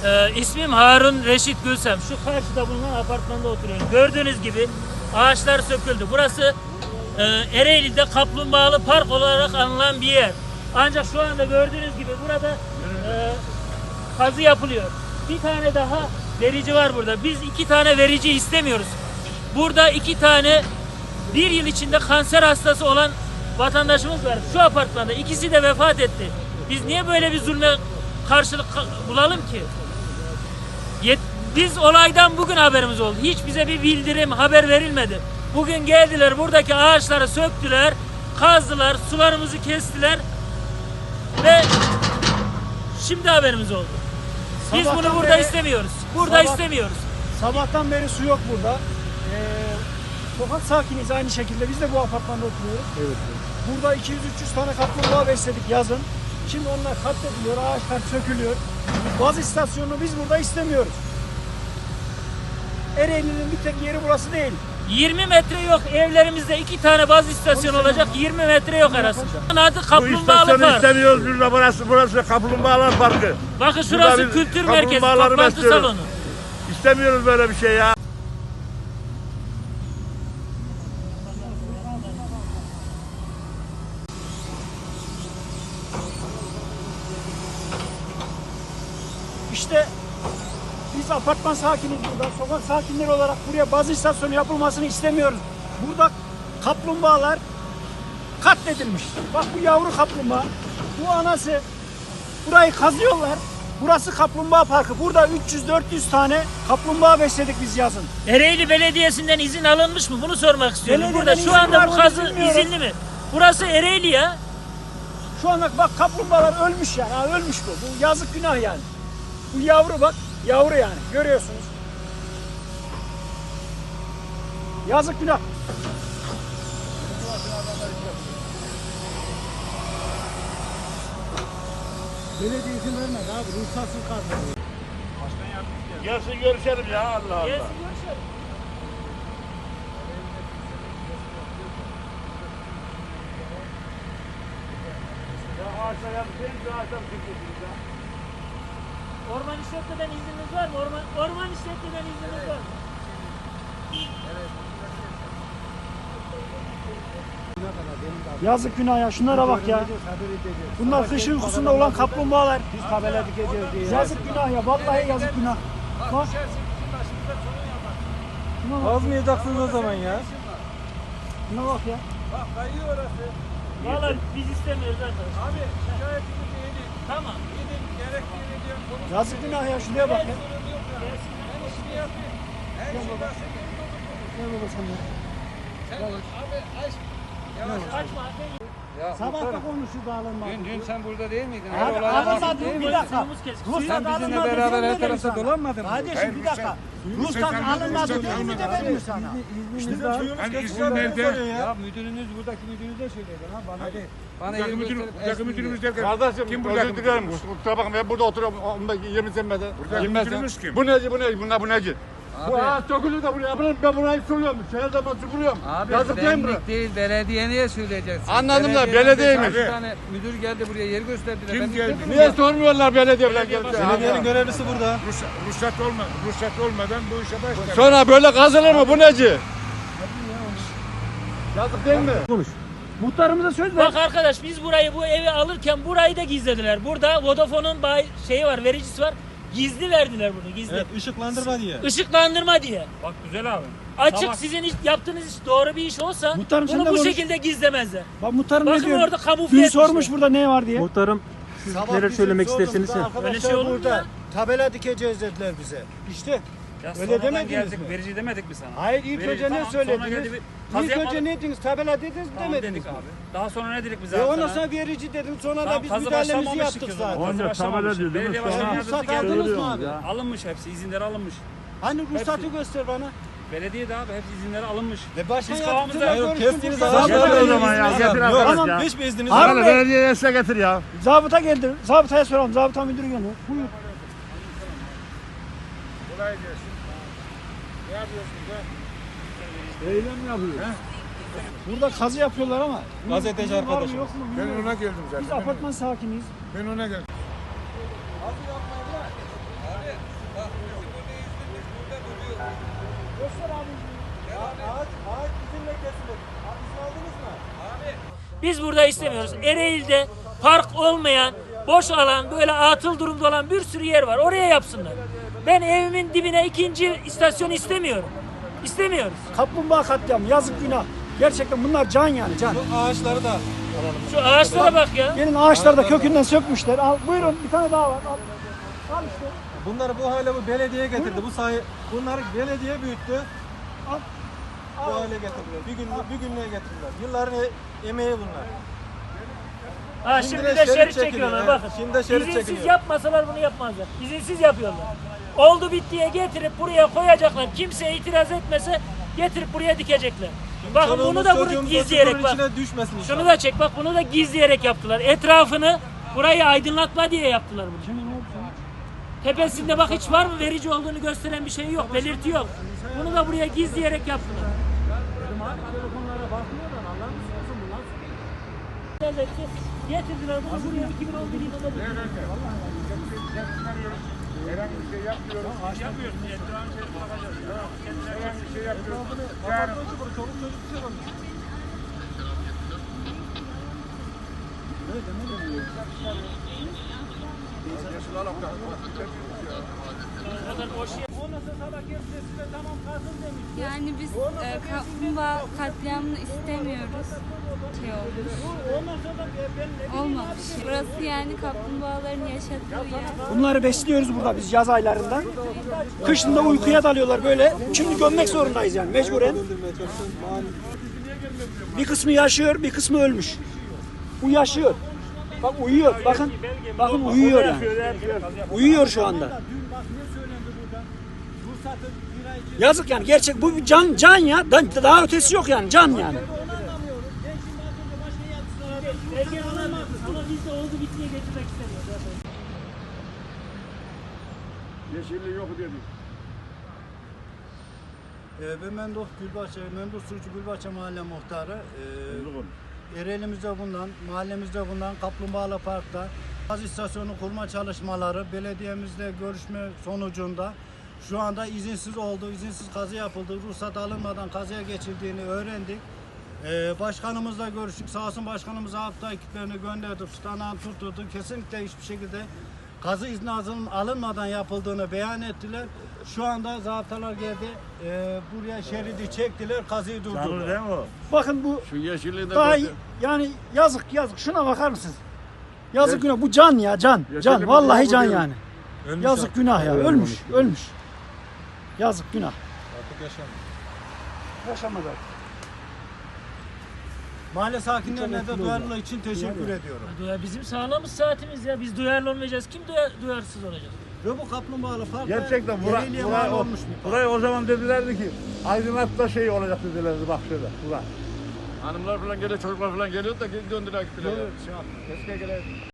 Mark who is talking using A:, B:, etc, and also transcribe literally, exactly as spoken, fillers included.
A: Ee, ismim Harun Reşit Gülsem. Şu karşıda bulunan apartmanda oturuyorum. Gördüğünüz gibi ağaçlar söküldü. Burası e, Ereğli'de kaplumbağalı park olarak anılan bir yer. Ancak şu anda gördüğünüz gibi burada e, kazı yapılıyor. Bir tane daha verici var burada. Biz iki tane verici istemiyoruz. Burada iki tane bir yıl içinde kanser hastası olan vatandaşımız var. Şu apartmanda ikisi de vefat etti. Biz niye böyle bir zulme karşılık bulalım ki? Yet Biz olaydan bugün haberimiz oldu. Hiç bize bir bildirim, haber verilmedi. Bugün geldiler, buradaki ağaçları söktüler, kazdılar, sularımızı kestiler ve şimdi haberimiz oldu. Biz
B: Sabahtan
A: bunu burada
B: beri,
A: istemiyoruz. Burada
B: sabah,
A: istemiyoruz.
B: Sabahtan beri su yok burada. Ee, sokak sakiniyiz aynı şekilde. Biz de bu apartmanda oturuyoruz. Evet. Burada iki yüz üç yüz tane kaplumbağa besledik yazın. Şimdi onlar katlediliyor, ağaçlar sökülüyor. Gaz istasyonunu biz burada istemiyoruz. Ereğli'nin bir tek yeri burası değil.
A: yirmi metre yok. Evlerimizde iki tane baz istasyonu olacak. yirmi metre yok arasında. Adı
C: Bu
A: Kaplumbağalı
C: istasyonu
A: Park.
C: istemiyoruz burada. Burası, burası Kaplumbağalar Parkı.
A: Bakın şurası
C: Burada biz
A: kültür merkezi,
C: kaplumbağaları
A: toplantı
C: besliyoruz.
A: salonu.
C: İstemiyoruz böyle bir şey ya.
B: İşte biz apartman sakiniyiz burada. Sokak sakinleri olarak buraya baz istasyonu yapılmasını istemiyoruz. Burada kaplumbağalar katledilmiş. Bak bu yavru kaplumbağa, bu anası. Burayı kazıyorlar. Burası kaplumbağa parkı. Burada üç yüz dört yüz tane kaplumbağa besledik biz yazın.
A: Ereğli Belediyesi'nden izin alınmış mı? Bunu sormak istiyorum.
B: Belediyeden
A: Burada
B: izin
A: şu anda
B: var
A: bu
B: mı
A: kazı
B: bilmiyorum.
A: izinli mi? Burası Ereğli ya.
B: Şu anda bak kaplumbağalar ölmüş yani. Ha, ölmüş bu. Bu yazık günah yani. Bu yavru bak. Yavru yani. Görüyorsunuz. Yazık günah. Belediye izin vermez abi. Ruhsatsız kaldı.
C: Gelsin görüşelim ya, Allah Allah.
A: Gelsin görüşelim.
C: Ya ağaçlar yapmayın, şu ağaçlar çıkıyorsunuz ya.
A: Orman işletmeden izniniz var mı? Orman, orman işletmeden izniniz var mı?
B: Yazık günah ya. Şunlara bak ya. Bunlar kış uykusunda olan kaplumbağalar.
D: Biz tabela dikeceğiz diye.
B: Yazık günah ya. Vallahi yazık günah. Bak. Şuna bak.
D: Azmayacaksınız o zaman ya.
B: Şuna bak ya.
D: Bak kayıyor orası.
A: Valla biz istemiyoruz arkadaşlar.
D: Abi şikayetimizi yedik.
A: Tamam.
D: Yedik gerektiğini diyorum. Konuş.
B: Yazık günah ya. Şuraya bak ya.
D: Ben işini yapayım. Her şey nasıl
B: Gel baba sen de.
D: Sen abi aç. Yavaş.
A: Kaçma.
D: Ya
B: Sabah da konuşurdu alınmadı.
D: Dün, dün sen burada değil miydin?
B: Abi,
D: Her olaya
B: alınmadı,
D: vakıf değil
B: bir
D: miydin?
B: dakika.
A: Suyumuz kesik.
D: Sen
B: Ruhsat
D: bizimle
B: alınmadı
D: beraber
B: diye
D: her
B: mi
D: tarafta
B: sana?
D: dolanmadın mı?
B: Kardeşim bir dakika. Ruhsat alınmadı diye mi de vermiyor sana?
D: İzniniz var.
C: Hani izin nerede?
D: Ya müdürünüz buradaki müdürünüze söyledi ha bana değil. Bana
C: Buradaki
D: yeri
C: müdür,
D: gösterip
C: buradaki
D: esmin
C: müdürümüz
D: diye.
C: derken
E: Kardeşim
C: kim buradaki
E: özür dilerim.
C: müdürümüz?
E: Kusura bakma ben burada oturuyorum on beş yirmi senede.
C: Buradaki müdürümüz kim?
E: Bu neci bu neci bunlar bu neci? Bu
D: Abi.
E: ağaç dökülür de buraya ben, ben burayı suluyorum. Her zaman süpürüyorum.
D: Abi
E: Yazık değil mi buraya?
D: benlik değil, belediyeye söyleyeceksin.
E: Anladım da,
D: Belediyeden
E: belediyeymiş.
D: beş altı tane müdür geldi buraya yer gösterdiler.
C: Kim
D: Ben
C: geldi?
D: gitmedim
E: Niye
D: ya.
E: sormuyorlar belediye falan gelip de?
C: Belediyenin
D: görevlisi burada.
C: Ruhsat, ruhsat, olma, ruhsat olmadan bu işe başlar.
E: Sonra böyle kazılır mı bu neci? Yazık değil mi?
B: Muhtarımıza söz ver.
A: Bak arkadaş biz burayı bu evi alırken burayı da gizlediler. Burada Vodafone'un bay şeyi var, vericisi var. Gizli verdiler bunu, gizli.
F: Evet, ışıklandırma diye.
A: Işıklandırma diye.
C: Bak güzel abi.
A: Açık
C: Tamam.
A: sizin iş, yaptığınız iş doğru bir iş olsa
B: Muhtarım, sen
A: bunu
B: de
A: bu
B: konuş.
A: şekilde gizlemezler.
B: Bak muhtarım ne
A: Bakın
B: diyor?
A: orada kamufle
B: Dün
A: etmişler.
B: sormuş burada ne var diye.
F: Muhtarım siz neler söylemek isterseniz.
A: Öyle şey olur mu ya?
G: Tabela dikeceğiz dediler bize. İşte
H: Ya
G: öyle
H: sonradan
G: demediniz
H: geldik,
G: mi?
H: verici demedik mi sana?
G: Hayır ilk
H: Verici,
G: önce ne
H: tamam, sonra geldi
G: söylediniz?
H: bir- kazı
G: İlk önce
H: yapmadık.
G: ne dediniz? Tabela dediniz
H: Tamam
G: demediniz
H: dedik
G: mi?
H: abi. Daha sonra ne dedik biz
G: E
H: abi
G: ondan
H: sana?
G: sonra verici dedim sonra
H: Tamam,
G: da biz
H: kazı
G: müdahalemizi
H: başlamamıştık
G: yaptık
H: ki o zaman.
G: zaten.
H: Kazı
C: Onca tabela
H: başlamamıştık.
C: diyor, değil mi?
H: Belediye
C: Sonra-
H: başkanı
G: Ruhsat
H: yardımcı geldi.
G: aldınız mı abi?
C: ya.
H: Alınmış hepsi, izinleri alınmış.
G: Hani ruhsatı göster bana.
H: Belediye de abi hepsi izinleri alınmış.
G: Ve başkan
H: Biz kafamızda-
G: yardımcılar
H: Hayır,
G: görüşsün.
F: kestiğiniz
G: ruhsat-
F: ağaçlar-
C: Getir o zaman ya, getir arkadaş
B: Tamam,
C: ya.
F: Hiçbir izniniz
B: Abi-
F: yok.
C: Bana belediyeye size getir ya.
B: Zabıta geldi. Zabıtaya soralım. Zabıta müdürü geliyor. Buyur.
C: Kolay gelsin. Ne yapıyorsunuz ya?
E: Eylem yapıyor.
B: Burada kazı yapıyorlar ama.
F: Gazeteci
B: Var mı,
F: arkadaşımız.
B: yok mu
C: Ben
B: bilmiyorum.
C: ona geldim zaten.
B: Biz apartman sakiniyiz.
C: Ben ona geldim.
D: Bak bizim burada yüzümüz burada duruyor.
B: Göster abi.
G: Ağaç, ağaç bizimle kesilir. Abi izin aldınız mı?
D: Abi
A: Biz burada istemiyoruz. Ereğli'de park olmayan, boş alan, böyle atıl durumda olan bir sürü yer var. Oraya yapsınlar. Ben evimin dibine ikinci istasyon istemiyorum. İstemiyoruz.
B: Kaplumbağa katliamı yazık günah. Gerçekten bunlar can yani can.
G: Bu ağaçları da
A: Şu ağaçlara bak ya.
B: Gelin ağaçları da kökünden sökmüşler. Al, buyurun bir tane daha var. Al, al işte.
G: bunları bu hale bu belediye getirdi. Bu sayı bunları belediye büyüttü.
B: Al.
G: Bu hale getirdiler. Bir gün bir günlüğe getirdiler. Yılların e- emeği bunlar.
A: Ha,
G: Şimdi
A: şimdi
G: de
A: de
G: şerit
A: şerit
G: çekiliyor,
A: çekiyorlar
G: evet.
A: bakın.
G: Şimdi de şerit
A: İzinsiz
G: çekiliyor.
A: yapmasalar bunu yapmazlar. İzinsiz yapıyorlar. Oldu bittiye getirip buraya koyacaklar. Kimse itiraz etmese getirip buraya dikecekler. Bakın bunu
G: Çoluğumuz,
A: da bunu
G: çocuğumuz
A: gizleyerek
G: oturun
A: bak.
G: içine düşmesin inşallah.
A: Şunu da çek bak, bunu da gizleyerek yaptılar. Etrafını burayı aydınlatma diye yaptılar bunu. Tepesinde bak hiç var mı verici olduğunu gösteren bir şey yok, belirti yok. Bunu da buraya gizleyerek yaptılar. Getirdiler bunu buraya iki bin on bir yılında diktiler.
C: Herhangi bir şey yapmıyoruz. Yapmıyoruz. Etrafı şey bakacağız. Herhangi bir şey yapmıyoruz. Yarın
I: Yani biz e, kaplumbağa katliamını istemiyoruz. Şey olmuş. Olmamış. Burası yani kaplumbağaların yaşadığı yer.
B: Bunları besliyoruz burada biz yaz aylarında. Kışında uykuya dalıyorlar böyle. Şimdi gömmek zorundayız yani mecburen. Bir kısmı yaşıyor, bir kısmı ölmüş. Bu yaşıyor. Bak uyuyor. Bakın. Bakın uyuyor yani. Uyuyor şu anda. Yazık yani gerçek bu bir can can ya. Da- Daha ötesi yok yani can yani.
A: Belge alamaz ama biz de oldu bittiye getirmek istemiyoruz.
C: yeşilliği yok dedik.
G: Ee, ben Menduh Gülbahçe, Menduh Surucu Gülbahçe Mahalle Muhtarı. Ee, Ereğlimizde bulunan, mahallemizde bulunan Kaplumbağalı Park'ta gaz istasyonu kurma çalışmaları belediyemizle görüşme sonucunda şu anda izinsiz oldu, izinsiz kazı yapıldı, ruhsat alınmadan kazıya geçildiğini öğrendik. Ee, başkanımızla görüştük, sağ olsun başkanımız hafta ekiplerini gönderdik, tutanağını tutturdu, kesinlikle hiçbir şekilde kazı izni alın- alınmadan yapıldığını beyan ettiler. Şu anda zabıtalar geldi, e, buraya şeridi çektiler, kazıyı
C: Canlı
G: durdurdular.
C: değil mi o?
B: Bakın bu
C: Şu yeşilliği de
B: daha
C: göster.
B: yani yazık yazık şuna bakar mısınız? Yazık günah bu can ya can.
C: Yaşadı
B: Can
C: mı
B: vallahi
C: diyor,
B: can
C: bu diyor.
B: yani. Yazık günah ya ölmüş ölmüş. Yazık günah.
G: Artık yaşamıyor.
B: Yaşamadı artık.
G: Mahalle sakinlerine de duyarlılığı için teşekkür ediyorum.
A: Ya bizim sağlığımız saatimiz ya. Biz duyarlı olmayacağız. Kim duyar, duyarsız olacak?
G: Ve bu kaplumbağalı park
C: Gerçekten bura,
G: Ereğli'ye
C: burayı,
G: mal
C: o,
G: olmuş bir park.
C: burayı o zaman dedilerdi ki aydınlatma şey olacak dedilerdi bak şöyle. Bura. Hanımlar falan geliyor, çocuklar falan geliyor da geri döndüler gittiler.
G: Şey yaptı, keşke gelelim.